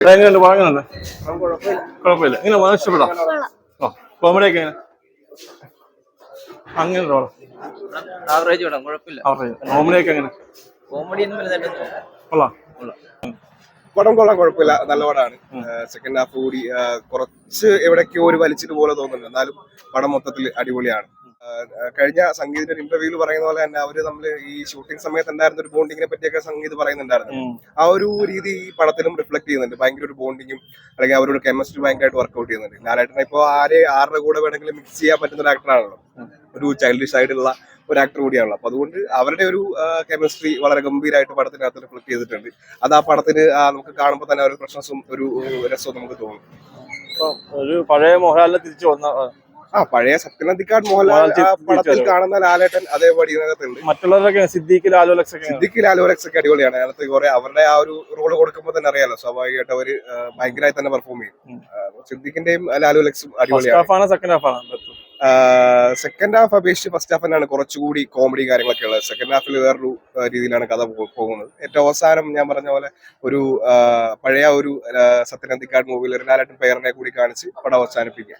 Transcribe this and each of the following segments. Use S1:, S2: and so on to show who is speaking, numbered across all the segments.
S1: എങ്ങനെയുണ്ട് വാങ്ങുന്നുണ്ട്? കുഴപ്പമില്ല. ഇങ്ങനെ ഇഷ്ടപ്പെടാം. കോമഡി ഒക്കെ എങ്ങനെ? അങ്ങനെ
S2: ആവറേജ് വേണം, കുഴപ്പമില്ല.
S1: കോമഡി ഒക്കെ എങ്ങനെ?
S2: കോമഡി
S1: കൊള്ളാം.
S3: പടം കൊള്ളാൻ കുഴപ്പമില്ല, നല്ല പടമാണ്. സെക്കൻഡ് ഹാഫ് കൂടി കുറച്ച് എവിടേക്കോ ഒരു വലിച്ചിട്ട് പോലെ തോന്നുന്നുണ്ട്, എന്നാലും പടം മൊത്തത്തിൽ അടിപൊളിയാണ്. കഴിഞ്ഞ സംഗീതിന്റെ ഒരു ഇന്റർവ്യൂവിൽ പറയുന്ന പോലെ തന്നെ അവര് നമ്മള് ഈ ഷൂട്ടിംഗ് സമയത്ത് ഉണ്ടായിരുന്ന ഒരു ബോണ്ടിങ്ങിനെ പറ്റിയൊക്കെ സംഗീത് പറയുന്നുണ്ടായിരുന്നു. ആ ഒരു രീതി ഈ പടത്തിലും റിഫ്ലക്ട് ചെയ്യുന്നുണ്ട്. ഭയങ്കര ഒരു ബോണ്ടിങ്ങും അല്ലെങ്കിൽ അവരുടെ കെമിസ്ട്രി ഭയങ്കരമായിട്ട് വർക്ക്ഔട്ട് ചെയ്യുന്നുണ്ട്. ലാലേട്ടനെ ഇപ്പോൾ ആരുടെ കൂടെ വേണമെങ്കിലും മിക്സ് ചെയ്യാൻ പറ്റുന്ന ഒരു ആക്ടറാണല്ലോ, ഒരു ചൈൽഡിഷ് ആയിട്ടുള്ള ഒരു ആക്ടർ കൂടിയാണല്ലോ. അപ്പൊ അതുകൊണ്ട് അവരുടെ ഒരു കെമിസ്ട്രി വളരെ ഗംഭീരമായിട്ട് പടത്തിനകത്ത് റിഫ്ലക്ട് ചെയ്തിട്ടുണ്ട്. അത് ആ പടത്തിന് നമുക്ക് കാണുമ്പോൾ തന്നെ ഒരു ഫ്രഷ്നസും ഒരു രസവും നമുക്ക് തോന്നും.
S1: ഒരു പഴയ മോഹൻലാലിനെ തിരിച്ചു വന്ന
S3: പഴയ സത്യനന്ദിക്കാട് മോഹൻലാൽ പടത്തിൽ കാണുന്ന ലാലേട്ടൻ അതേപടി ഇതിനകത്തുണ്ട്.
S1: മറ്റുള്ളവരൊക്കെ സിദ്ദീഖ് ലാലോലക്സ്
S3: ഒക്കെ അടിപൊളിയാണ്. അതിനകത്ത് കുറെ അവരുടെ ആ ഒരു റോള് കൊടുക്കുമ്പോൾ തന്നെ അറിയാലോ, സ്വാഭാവികമായിട്ട് അവര് ഭയങ്കരമായി തന്നെ പെർഫോം ചെയ്യും. സിദ്ദീഖിന്റെയും ലാലോലക്സും അടിപൊളിയാണ്. സെക്കൻഡ് ഹാഫ് അപേക്ഷിച്ച് ഫസ്റ്റ് ഹാഫ് തന്നെയാണ് കുറച്ചുകൂടി കോമഡി കാര്യങ്ങളൊക്കെ ഉള്ളത്. സെക്കൻഡ് ഹാഫിൽ വേറൊരു രീതിയിലാണ് കഥ പോകുന്നത്. ഏറ്റവും അവസാനം ഞാൻ പറഞ്ഞ പോലെ ഒരു പഴയ ഒരു സത്യനന്ദിക്കാട് മൂവിയിൽ ഒരു ലാലേട്ടൻ പേരിനെ കൂടി കാണിച്ച് പടം അവസാനിപ്പിക്കുക.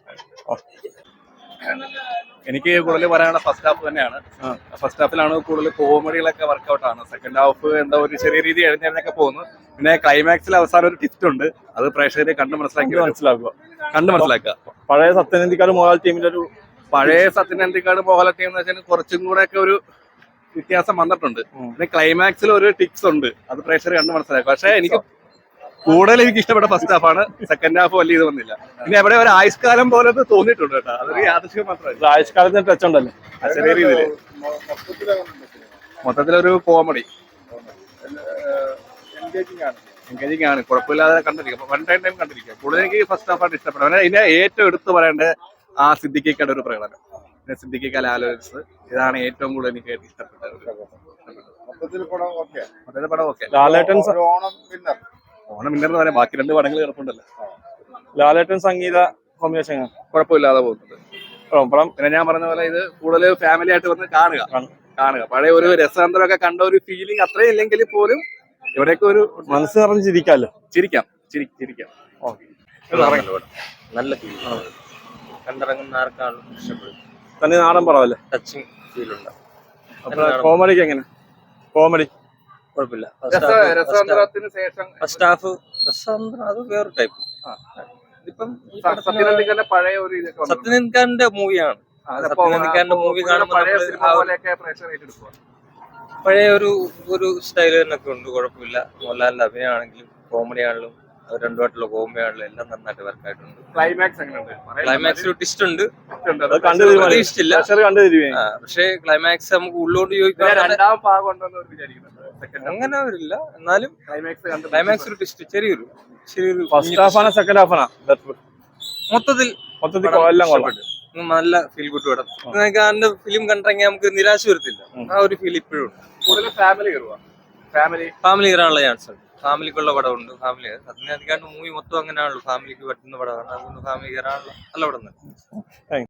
S4: എനിക്ക് കൂടുതൽ പറയാനുള്ള ഫസ്റ്റ് ഹാഫ് തന്നെയാണ്. ഫസ്റ്റ് ഹാഫിലാണ് കൂടുതൽ കോമഡികളൊക്കെ വർക്കൗട്ട് ആണ്. സെക്കൻഡ് ഹാഫ് എന്താ ഒരു ചെറിയ രീതി എഴുന്നേക്കെ പോകുന്നു. പിന്നെ ക്ലൈമാക്സിൽ അവസാനം ഒരു ടിസ്റ്റ് ഉണ്ട്, അത് പ്രേക്ഷകരെ കണ്ട് മനസ്സിലാക്കുക.
S1: പഴയ സത്യനന്ദിക്കാട് മോഹൻലാൽ ടീമിന്റെ ഒരു
S4: പഴയ സത്യനന്ദിക്കാട് മോഹൻലാൽ ടീം എന്ന് വെച്ചാൽ കുറച്ചും കൂടെ ഒക്കെ ഒരു വ്യത്യാസം വന്നിട്ടുണ്ട്. പിന്നെ ക്ലൈമാക്സിൽ ഒരു ടിപ്സ് ഉണ്ട്, അത് പ്രേക്ഷകരെ കണ്ട് മനസ്സിലാക്കുക. പക്ഷെ എനിക്ക് കൂടുതൽ എനിക്ക് ഇഷ്ടപ്പെട്ട ഫസ്റ്റ് ഹാഫാണ്. സെക്കൻഡ് ഹാഫ് വലിയ ഇത് വന്നില്ല. പിന്നെ എവിടെ ഒരു ആയുഷ്കാലം പോലെ തോന്നിയിട്ടുണ്ട് കേട്ടോ, അതൊരു യാദൃശ്യം മാത്രമല്ല.
S1: ആയുഷ്കാലത്തിന് ടച്ച് ഉണ്ടല്ലോ
S4: ചെറിയ രീതിയിൽ. മൊത്തത്തിലൊരു കോമഡി എൻഗേജിങ് ആണ്, കുഴപ്പമില്ലാതെ കണ്ടിരിക്കും. വൺ ടൈം കണ്ടിരിക്കുക. കൂടുതൽ എനിക്ക് ഫസ്റ്റ് ഹാഫാണ് ഇഷ്ടപ്പെട്ടത്. പിന്നെ ഇതിനെ ഏറ്റവും എടുത്തു പറയേണ്ടത് ആ സിദ്ദിഖിക്കയുടെ ഒരു പ്രകടനം, പിന്നെ സിദ്ദിഖിക്ക ലാലോലക്സ്, ഇതാണ് ഏറ്റവും കൂടുതൽ എനിക്ക് ഇഷ്ടപ്പെട്ടത്. പടം ഓക്കെ. ഓണം വിന്നർ എന്ന് പറയാം, ബാക്കി രണ്ട് പടങ്ങൾ കിടപ്പുണ്ടല്ലോ.
S1: ലാലേട്ടൻ സംഗീത കോമ്പിനേഷൻ
S4: കുഴപ്പമില്ലാതെ പോകുന്നുണ്ട്. പിന്നെ ഞാൻ പറഞ്ഞ പോലെ ഇത് കൂടുതൽ ഫാമിലി ആയിട്ട് വന്ന് കാണുക. പഴയ ഒരു രസാന്തരമൊക്കെ കണ്ട ഒരു ഫീലിംഗ് അത്രയും ഇല്ലെങ്കിൽ പോലും ഇവിടെയൊക്കെ ഒരു
S1: മനസ്സ് നിറഞ്ഞ് ചിരിക്കാം.
S2: നല്ല ഫീൽ കണ്ടിറങ്ങുന്ന ആർക്കാളും ഇഷ്ടപ്പെടും.
S1: തന്നെ നാടൻ പടമല്ലേ,
S2: ടച്ചിങ് ഫീൽ ഉണ്ടാവും.
S1: കോമഡിക്ക് എങ്ങനെ? കോമഡി
S2: കുഴപ്പമില്ല.
S4: രസാന്തരത്തിന് ശേഷം
S2: ഫസ്റ്റ് ഹാഫ് രസാന്തരം അത് വേറെ ടൈപ്പ്. ഇതിപ്പം
S4: പഴയ ഒരു
S2: സത്യനന്ദിക്കാരന്റെ മൂവിയാണ്. സത്യനന്ദിക്കാരന്റെ മൂവി കാണുമ്പോൾ പഴയ ഒരു സ്റ്റൈൽ തന്നെയൊക്കെ ഉണ്ട്, കുഴപ്പമില്ല. മോഹൻലാലിന്റെ അഭിനയമാണെങ്കിലും കോമഡി ആണെങ്കിലും അത് രണ്ടുമായിട്ടുള്ള കോമഡി ആണെങ്കിലും എല്ലാം നന്നായിട്ട് വർക്കായിട്ടുണ്ട്. ക്ലൈമാക്സ് ഒരു ട്വിസ്റ്റ് ഉണ്ട്, പ്രതീക്ഷിച്ചില്ല. പക്ഷേ ക്ലൈമാക്സ് നമുക്ക് ഉള്ളോട്ട് ചോദിക്കാൻ അങ്ങനെ വരില്ല, എന്നാലും ക്ലൈമാക്സ് ഒരു ട്വിസ്റ്റ് ചെറിയൊരു
S1: ഫസ്റ്റ് ഹാഫാണ് സെക്കൻഡ് ഹാഫാണ്
S2: മൊത്തത്തിൽ നല്ല ഫീൽ ഗുഡ് പടം. അതിന്റെ ഫിലിം കണ്ടിറങ്ങിയാൽ നമുക്ക് നിരാശ വരത്തില്ല, ആ ഒരു ഫീൽ ഇപ്പോഴും ഉണ്ട്. ഫാമിലി കയറാനുള്ള ചാൻസ് ഉണ്ട്. ഫാമിലിക്കുള്ള പടമുണ്ട്. സത്യനന്ദിക്കാണ്ട് മൂവി മൊത്തം അങ്ങനെയാണല്ലോ, ഫാമിലിക്ക് പറ്റുന്ന പടമാണ്. അതുകൊണ്ട് ഫാമിലി കയറാനുള്ള നല്ല പടം തന്നെ.